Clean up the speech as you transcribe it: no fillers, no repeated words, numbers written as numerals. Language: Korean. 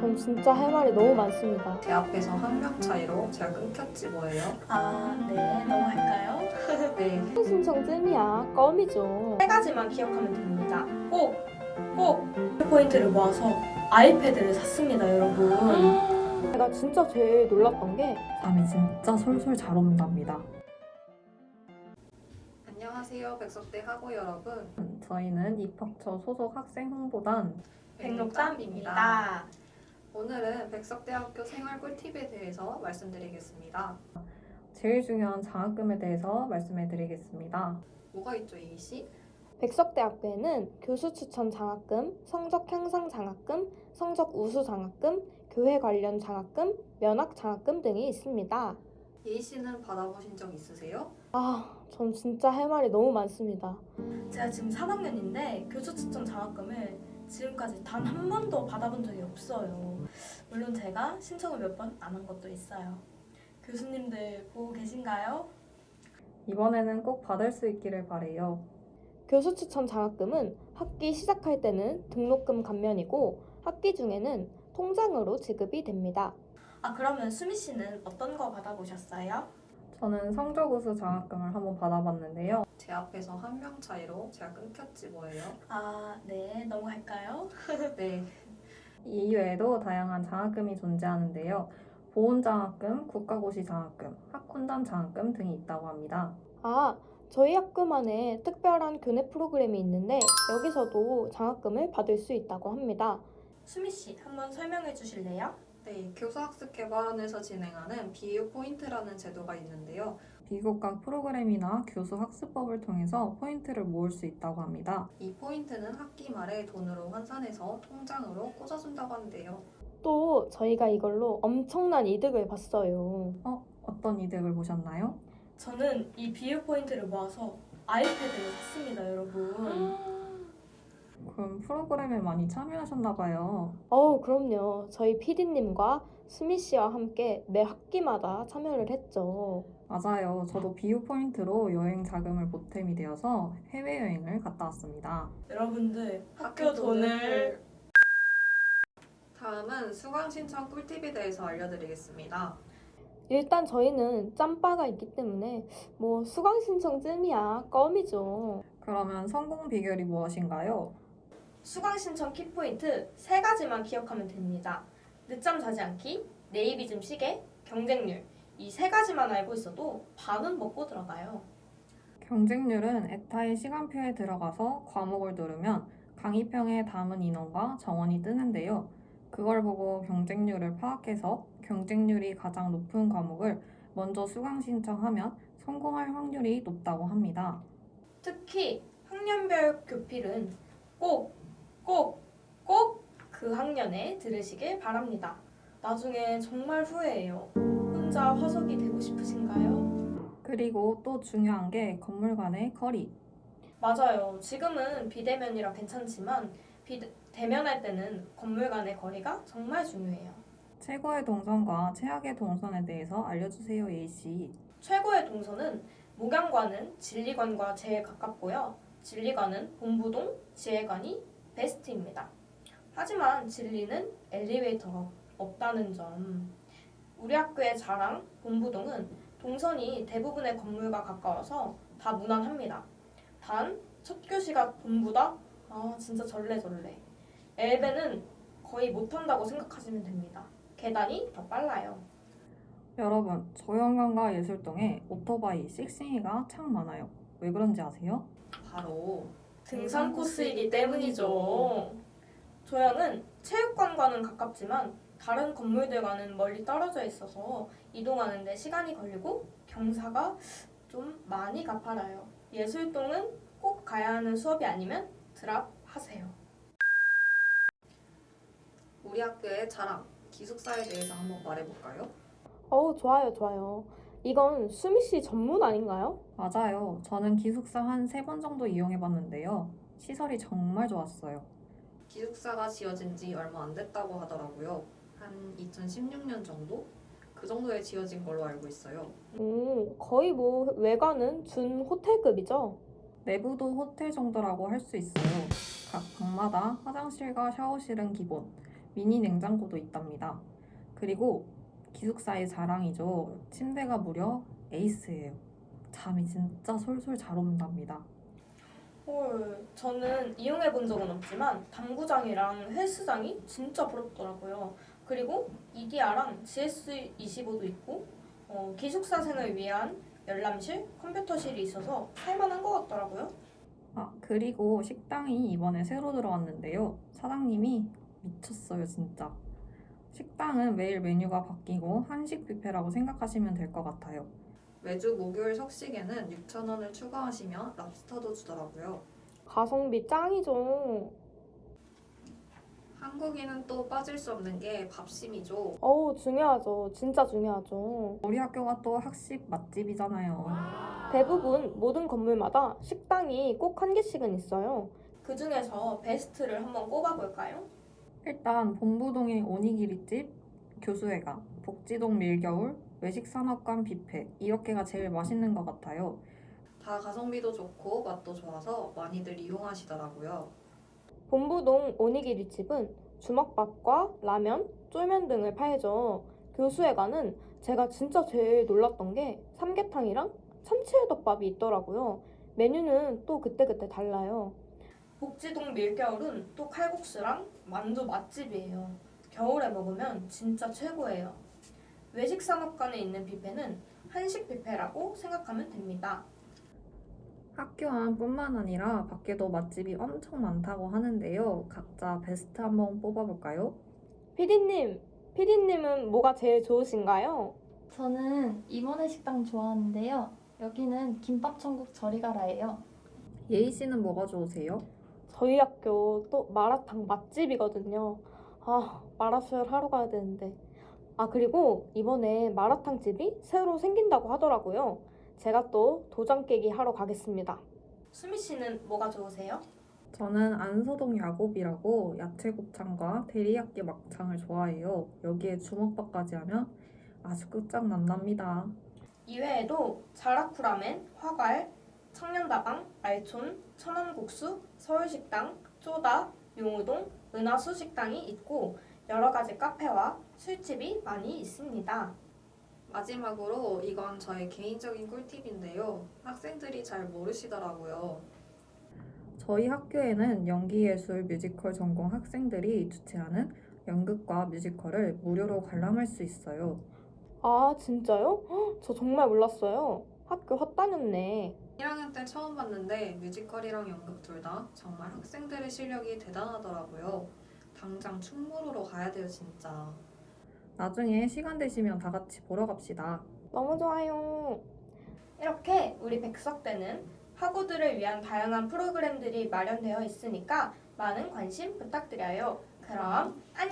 전 진짜 할 말이 너무 많습니다. 제 앞에서 한 명 차이로 제가 끊겼지 뭐예요? 네, 넘어갈까요? 네. 신청쯤이야 껌이죠. 세 가지만 기억하면 됩니다. 꼭 포인트를 모아서 아이패드를 샀습니다, 여러분. 제가 진짜 제일 놀랐던 게 잠이 진짜 솔솔 잘 온답니다. 안녕하세요, 백석대 학우 여러분. 저희는 입학처 소속 학생 홍보단 백록담입니다. 오늘은 백석대학교 생활 꿀팁에 대해서 말씀드리겠습니다. 제일 중요한 장학금에 대해서 말씀해 드리겠습니다. 뭐가 있죠, A씨? 백석대학교에는 교수 추천 장학금, 성적 향상 장학금, 성적 우수 장학금, 교회 관련 장학금, 면학 장학금 등이 있습니다. A씨는 받아보신 적 있으세요? 전 진짜 할 말이 너무 많습니다. 제가 지금 3학년인데 교수 추천 장학금을 지금까지 단 한 번도 받아본 적이 없어요. 물론 제가 신청을 몇 번 안 한 것도 있어요. 교수님들 보고 계신가요? 이번에는 꼭 받을 수 있기를 바래요. 교수 추천 장학금은 학기 시작할 때는 등록금 감면이고 학기 중에는 통장으로 지급이 됩니다. 그러면 수미 씨는 어떤 거 받아보셨어요? 저는 성적 우수 장학금을 한번 받아봤는데요. 제 앞에서 한 명 차이로 제가 끊겼지 뭐예요? 네, 넘어갈까요? 네. 이 외에도 다양한 장학금이 존재하는데요. 보훈장학금, 국가고시 장학금, 학훈단 장학금 등이 있다고 합니다. 저희 학교만의 특별한 교내 프로그램이 있는데 여기서도 장학금을 받을 수 있다고 합니다. 수미 씨, 한번 설명해 주실래요? 네, 교수학습개발원에서 진행하는 BU 포인트라는 제도가 있는데요. 비교과 프로그램이나 교수 학습법을 통해서 포인트를 모을 수 있다고 합니다. 이 포인트는 학기 말에 돈으로 환산해서 통장으로 꽂아준다고 하는데요. 또 저희가 이걸로 엄청난 이득을 봤어요. 어떤 이득을 보셨나요? 저는 이 비유 포인트를 모아서 아이패드를 샀습니다, 여러분. 그럼 프로그램에 많이 참여하셨나 봐요. 그럼요. 저희 PD님과 수미 씨와 함께 매 학기마다 참여를 했죠. 맞아요. 저도 비유 포인트로 여행 자금을 보탬이 되어서 해외여행을 갔다 왔습니다. 여러분들 학교 돈을 다음은 수강 신청 꿀팁에 대해서 알려드리겠습니다. 일단 저희는 짬바가 있기 때문에 수강 신청쯤이야 껌이죠. 그러면 성공 비결이 무엇인가요? 수강 신청 키포인트 세 가지만 기억하면 됩니다. 늦잠 자지 않기, 네이비즘 시계, 경쟁률. 이 세 가지만 알고 있어도 반은 먹고 들어가요. 경쟁률은 에타의 시간표에 들어가서 과목을 누르면 강의평에 담은 인원과 정원이 뜨는데요. 그걸 보고 경쟁률을 파악해서 경쟁률이 가장 높은 과목을 먼저 수강 신청하면 성공할 확률이 높다고 합니다. 특히 학년별 교필은 꼭 그 학년에 들으시길 바랍니다. 나중에 정말 후회해요. 혼자 화석이 되고 싶으신가요? 그리고 또 중요한 게 건물 간의 거리. 맞아요. 지금은 비대면이라 괜찮지만 대면할 때는 건물 간의 거리가 정말 중요해요. 최고의 동선과 최악의 동선에 대해서 알려주세요, A씨. 최고의 동선은 목양관은 진리관과 제일 가깝고요. 진리관은 본부동, 지혜관이 베스트입니다. 하지만 진리는 엘리베이터가 없다는 점. 우리 학교의 자랑, 본부동은 동선이 대부분의 건물과 가까워서 다 무난합니다. 단, 첫 교시가 본부다? 진짜 절레절레. 엘베는 거의 못한다고 생각하시면 됩니다. 계단이 더 빨라요. 여러분, 조영관과 예술동에 오토바이, 씩씩이가 참 많아요. 왜 그런지 아세요? 바로 등산 코스이기 때문이죠. 조양은 체육관과는 가깝지만 다른 건물들과는 멀리 떨어져 있어서 이동하는 데 시간이 걸리고 경사가 좀 많이 가파라요. 예술동은 꼭 가야 하는 수업이 아니면 드랍하세요. 우리 학교의 자랑, 기숙사에 대해서 한번 말해볼까요? 좋아요. 이건 수미 씨 전문 아닌가요? 맞아요. 저는 기숙사 한 3번 정도 이용해봤는데요. 시설이 정말 좋았어요. 기숙사가 지어진 지 얼마 안 됐다고 하더라고요. 한 2016년 정도? 그 정도에 지어진 걸로 알고 있어요. 거의 외관은 준 호텔급이죠? 내부도 호텔 정도라고 할 수 있어요. 각 방마다 화장실과 샤워실은 기본, 미니 냉장고도 있답니다. 그리고 기숙사의 자랑이죠. 침대가 무려 에이스예요. 잠이 진짜 솔솔 잘 온답니다. 헐, 저는 이용해 본 적은 없지만 당구장이랑 헬스장이 진짜 부럽더라고요. 그리고 EDR랑 GS25도 있고 기숙사생을 위한 열람실, 컴퓨터실이 있어서 살만한 것 같더라고요. 그리고 식당이 이번에 새로 들어왔는데요. 사장님이 미쳤어요, 진짜. 식당은 매일 메뉴가 바뀌고 한식 뷔페라고 생각하시면 될 것 같아요. 매주 목요일 석식에는 6,000원을 추가하시면 랍스터도 주더라고요. 가성비 짱이죠. 한국인은 또 빠질 수 없는 게 밥심이죠. 어우, 중요하죠. 진짜 중요하죠. 우리 학교가 또 학식 맛집이잖아요. 대부분 모든 건물마다 식당이 꼭 한 개씩은 있어요. 그 중에서 베스트를 한번 꼽아볼까요? 일단 본부동의 오니기리집, 교수회관, 복지동 밀겨울, 외식산업관 뷔페 이렇게가 제일 맛있는 것 같아요. 다 가성비도 좋고 맛도 좋아서 많이들 이용하시더라고요. 본부동 오니기리집은 주먹밥과 라면, 쫄면 등을 팔죠. 교수회관은 제가 진짜 제일 놀랐던 게 삼계탕이랑 참치회덮밥이 있더라고요. 메뉴는 또 그때그때 달라요. 복지동 밀겨울은 또 칼국수랑 만두 맛집이에요. 겨울에 먹으면 진짜 최고예요. 외식산업관에 있는 뷔페는 한식 뷔페라고 생각하면 됩니다. 학교 안뿐만 아니라 밖에도 맛집이 엄청 많다고 하는데요. 각자 베스트 한번 뽑아볼까요? 피디님은 뭐가 제일 좋으신가요? 저는 이모네 식당 좋아하는데요. 여기는 김밥천국 저리가라예요. 예희 씨는 뭐가 좋으세요? 저희 학교 또 마라탕 맛집이거든요. 마라수혈 하러 가야 되는데. 그리고 이번에 마라탕 집이 새로 생긴다고 하더라고요. 제가 또 도장 깨기 하러 가겠습니다. 수미 씨는 뭐가 좋으세요? 저는 안서동 야곱이라고 야채곱창과 데리야끼 막창을 좋아해요. 여기에 주먹밥까지 하면 아주 끝장난답니다. 이외에도 자라쿠라멘, 화갈, 청년다방, 알촌, 천안국수, 서울식당, 쪼다, 용우동, 은하수 식당이 있고 여러 가지 카페와 술집이 많이 있습니다. 마지막으로 이건 저의 개인적인 꿀팁인데요. 학생들이 잘 모르시더라고요. 저희 학교에는 연기예술 뮤지컬 전공 학생들이 주최하는 연극과 뮤지컬을 무료로 관람할 수 있어요. 진짜요? 저 정말 몰랐어요. 학교 헛다녔네. 1학년 때 처음 봤는데 뮤지컬이랑 연극 둘 다 정말 학생들의 실력이 대단하더라고요. 당장 충무로로 가야 돼요, 진짜. 나중에 시간 되시면 다 같이 보러 갑시다. 너무 좋아요. 이렇게 우리 백석대는 학우들을 위한 다양한 프로그램들이 마련되어 있으니까 많은 관심 부탁드려요. 그럼 안녕!